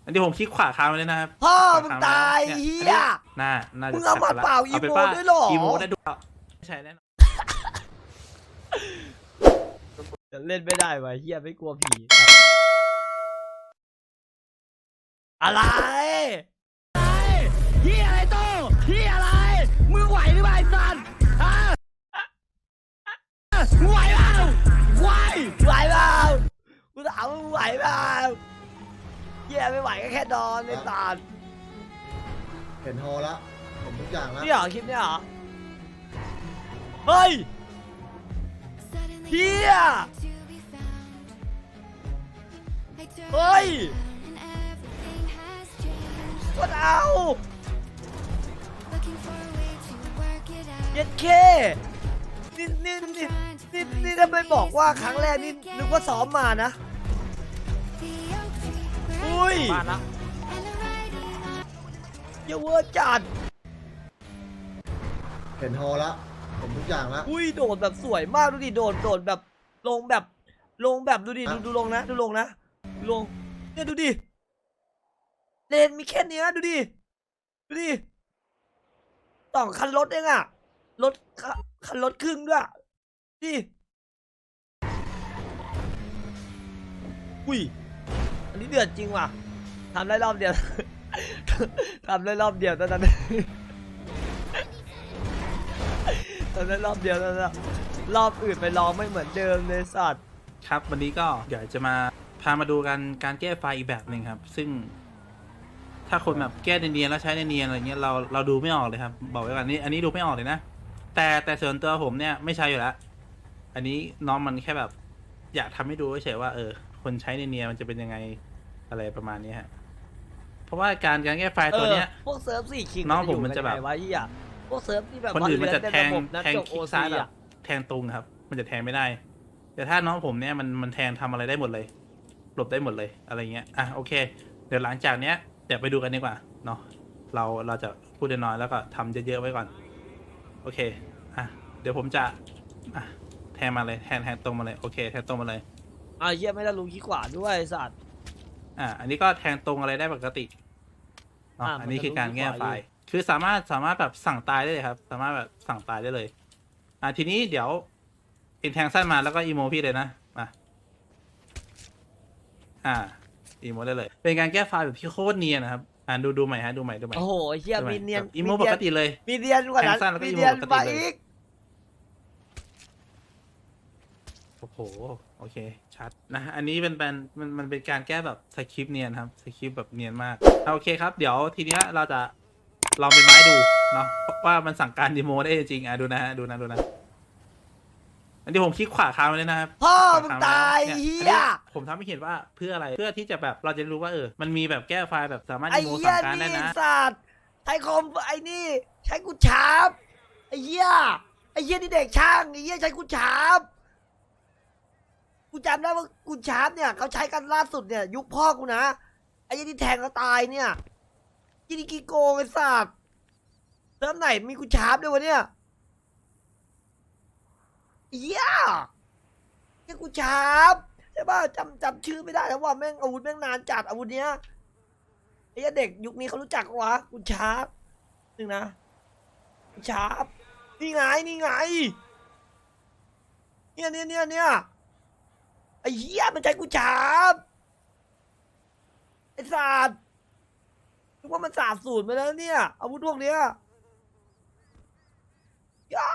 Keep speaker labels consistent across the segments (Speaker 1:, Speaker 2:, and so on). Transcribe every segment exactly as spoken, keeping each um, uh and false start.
Speaker 1: อันนี้ผมคลิกขวาค้างไว้เลยนะครับ
Speaker 2: พ่อมึงตายเฮีย
Speaker 1: น่าน่าจะ
Speaker 2: มึงเอามาเปล่าอีโมด้วยหรอ
Speaker 1: อีโมได้ด้วยไม่ใช่แน่นอน
Speaker 2: จะเล่นไม่ได้วะเฮียไม่กลัวผีอะไรเฮียอะไรโตเฮียอะไรมึงไหวหรือเปล่าไอ้สันฮะมึงไหวเปล่าไหวไหวเปล่ากูถามมึงไหวเปล่าเฮียไม่ไหวก็แค่นอนในตาล
Speaker 3: เห็นฮอละเห็นทุกอย่างแล้ว
Speaker 2: นี่เหรอคลิปนี่เหรอเฮ้ยเฮียเฮ้ยก็เอาเย็ดเคนี่นี่นี่นี่นี่ทำไมบอกว่าครั้งแรกนี่นึกว่าซ้อมมานะอุ้ยมาแล้วเยาเวอร์จัด
Speaker 3: เห็นฮอละเห็นทุกอย่างแล้ว
Speaker 2: อุ้ยโดดแบบสวยมากดูดิโดดโดดแบบลงแบบลงแบบดูดิดูดูลงนะดูลงนะดูลงเนี่ยดูดิเลนมีแค่เนี้ยดูดิดูดิต่องคันรถเองอะรถคันรถครึ่งด้วยดิอุ้ยอันนี้เดือดจริงว่ะทำได้รอบเดียว ทำได้รอบเดียวตอนนั้น ตอนนั้นรอบเดียวแล้วนะรอบอื่นไปลองไม่เหมือนเดิมเลยสัตว์
Speaker 1: ครับวันนี้ก็เดี๋ยวจะมาพามาดูกันการแก้ไฟล์อีกแบบหนึ่งครับซึ่งถ้าคนแบบแก้เนียนๆแล้วใช้เนียนๆอะไรเงี้ยเราเราดูไม่ออกเลยครับบอกไว้ก่อนนี้อันนี้ดูไม่ออกเลยนะแต่แต่ส่วนตัวผมเนี่ยไม่ใช่อยู่แล้วอันนี้น้องมันแค่แบบอยากทำให้ดูเฉยๆว่าเออคนใช้เนียนๆมันจะเป็นยังไงอะไรประมาณนี้ฮะเพราะว่าการการแก้ไฟล์ตัวเนี้ย
Speaker 2: พวกเซิร์ฟสี่คิง
Speaker 1: น้องผมมันจะแบบ
Speaker 2: ไว้ที่อ่ะพวกเซิร์ฟที่แบบ
Speaker 1: คนอื่นมันจะแทง
Speaker 2: นะ
Speaker 1: แทง
Speaker 2: จบ
Speaker 1: ค
Speaker 2: โอ
Speaker 1: ลิกซ้าย
Speaker 2: ซี
Speaker 1: แบบ
Speaker 2: อ่ะ
Speaker 1: แทงตรงครับมันจะแทงไม่ได้ แต่ถ้าน้องผมเนี่ยมันมันแทงทำอะไรได้หมดเลยหลบได้หมดเลยอะไรเงี้ยอ่ะโอเคเดี๋ยวหลังจากเนี้ยเดี๋ยวไปดูกันดีกว่าเนาะเราเราจะพูดน้อยแล้วก็ทำเยอะๆไว้ก่อนโอเคอ่ะเดี๋ยวผมจะอ่ะแทงมาเลยแทงแทงตรงมาเลยโอเคแทงตรงมาเลย
Speaker 2: อ่ะเยี่ยไม่ได้ลุงขี้ขวาด้วยสัตว์
Speaker 1: อ่ะอันนี้ก็แทงตรงอะไรได้ปกติเนาะ
Speaker 2: อ่ะ
Speaker 1: อันนี้คือการแก้ไฟ
Speaker 2: มันจะรู้
Speaker 1: ล์คือสามารถสามารถแบบสั่งตายได้เลยครับ สามารถแบบสั่งตายได้เลยอ่ะทีนี้เดี๋ยวอินแทงสั้นมาแล้วก็อีโมพี่เลยนะมาอ่าอีโมได้เลย เป็นการแก้ไฟล์แบบที่โคตรเนียนนะครับอ่าดูดูใหม่ฮะดูใหม่ดูใหม่
Speaker 2: โอ้โหเยี่ย
Speaker 1: ดูให
Speaker 2: มีเนียน
Speaker 1: แบบอีโมปกติเลย
Speaker 2: มีเนียนกว่านั้น
Speaker 1: แทงสั้นแล้วก็
Speaker 2: มี
Speaker 1: อีโม
Speaker 2: เนียน
Speaker 1: ปกติ
Speaker 2: ไป
Speaker 1: เลย
Speaker 2: อีก
Speaker 1: โอ้โหโอเคชัดนะอันนี้เป็นเป็นมันมันเป็นการแก้แบบสคริปต์เนียนครับสคริปต์แบบเนียนมากอ่ะโอเคครับเดี๋ยวทีเนี้ยเราจะลองเป็นไม้ดูเนาะว่ามันสั่งการดีโมได้จริงอ่ะดูนะฮะดูนะดูนะอันนี้ผมคลิกขวาค้างไว้เลยนะครับ
Speaker 2: พ่อ
Speaker 1: ขว
Speaker 2: มึง
Speaker 1: ค้
Speaker 2: ตาย
Speaker 1: นี่
Speaker 2: เฮี
Speaker 1: อัน
Speaker 2: ย
Speaker 1: นี้ผมทำให้เห็นว่าเพื่ออะไรเพื่อที่จะแบบเราจะรู้ว่าเออมันมีแบบแก้ไฟล์แบบสามารถ
Speaker 2: ไอ้
Speaker 1: ดีโม
Speaker 2: เหี้
Speaker 1: สั่
Speaker 2: ย
Speaker 1: งการได้
Speaker 2: นี่
Speaker 1: นะ
Speaker 2: สัตว์ไทยคอมไอ้นี่ใช้กูชาร์ปไอ้เหี้ยไอ้เหี้ยนี่เด็กช่างไอ้เหี้ยใช้กูชาร์ปกูจำได้ว่ากูชาร์ปเนี่ยเขาใช้กันล่าสุดเนี่ยยุคพ่อกูนะไอ้เหี้ยที่แทงเขาตายเนี่ยกินกีโกงไอ้สัตว์เริ่มไหนมีกูชาร์ปด้วยวะเนี่ยเหี้ยนี่กูชาร์ปใช่ป่ะจำจำชื่อไม่ได้แล้วว่าแม่งอาวุธแม่งนานจัดอาวุธเนี้ยไอ้เด็กยุคนี้เขารู้จักวะกูชาร์ปหนึ่งนะกูชาร์ปนี่ไงนี่ไงเนี่ยเนี่ยเนี่ยเนี่ยไอ้เหี้ยมันใจกูชาร์ปไอ้ศาสตร์นึกว่ามันศาสตร์สูตรมาแล้วเนี่ยอาวุธพวกเนี้ยย่า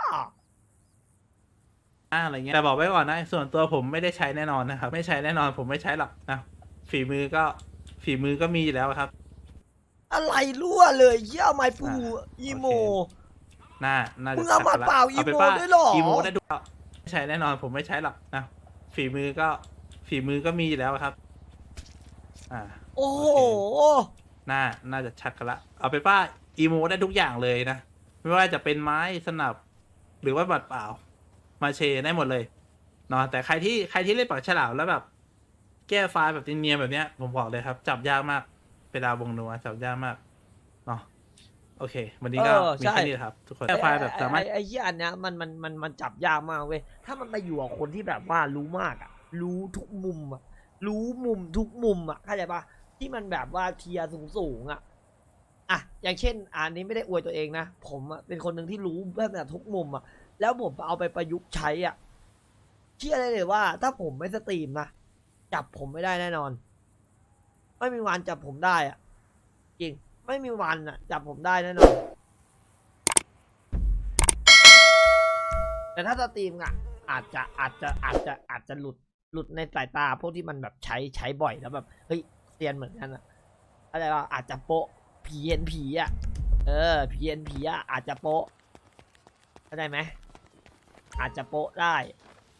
Speaker 1: อะไรเงี้ยแต่บอกไว้ก่อนนะส่วนตัวผมไม่ได้ใช้แน่นอนนะครับไม่ใช้แน่นอนผมไม่ใช้หรอกนะฝีมือก็ฝีมือก็มีอยู่แล้วครับ
Speaker 2: อะไรรั่วเลยเหี้ยไม้ปูอีโม
Speaker 1: น่าน่าจะ
Speaker 2: มึงเอามาเปล่าอีโม
Speaker 1: ป็น
Speaker 2: ด้วยเหรอ
Speaker 1: อีโมได้ด้วยไม่ใช่แน่นอนผมไม่ใช้หรอกนะฝีมือก็ฝีมือก็มีอยู่แล้วครับอ่า
Speaker 2: โอ้โห
Speaker 1: น่าน่าจะชัดกันละเอาเป็นว่าอีโมได้ทุกอย่างเลยนะไม่ว่าจะเป็นไม้สนับหรือว่าบัตรเปล่ามาเชได้หมดเลยเนาะแต่ใครที่ใครที่เล่นปากฉลามแล้วแบบแก้ไฟล์แบบเนียนๆแบบเนี้ยผมบอกเลยครับจับยากมากเวลาวงนัวจับยากมากเนาะโอเควันนี้ก็
Speaker 2: เออ
Speaker 1: มี
Speaker 2: ใช่
Speaker 1: แค่นี้ครับทุกคนแก้ไฟล์แบบสามารถ
Speaker 2: ไอ้ไอ้เหี้ยอันเนี้ยมันมันมันมันจับยากมากเว้ยถ้ามันมาอยู่กับคนที่แบบว่ารู้มากอ่ะรู้ทุกมุมอ่ะรู้มุมทุกมุมอ่ะเข้าใจปะที่มันแบบว่าเทียร์สูงๆอ่ะอ่ะอย่างเช่นอันนี้ไม่ได้อวยตัวเองนะผมอะเป็นคนหนึ่งที่รู้แบบแต่ทุกมุมอ่ะแล้วผมเอาไปประยุกต์ใช้อ่ะเชื่อได้เลยว่า ถ้าผมไม่สตรีมนะจับผมไม่ได้แน่นอน ไม่มีวันจับผมได้อ่ะจริงไม่มีวันอ่ะจับผมได้แน่นอนแต่ถ้าสตรีมอ่ะอาจจะอาจจะอาจจะอาจจะหลุดหลุดในสายตาพวกที่มันแบบใช้ใช้บ่อยแล้วแบบเฮ้ยเซียนเหมือนกันอ่ะอะไรว่าอาจจะโปะผีเห็นผีอ่ะเออผีเห็นผีอ่ะอาจจะโปะเข้าใจไหมอาจจะโปะได้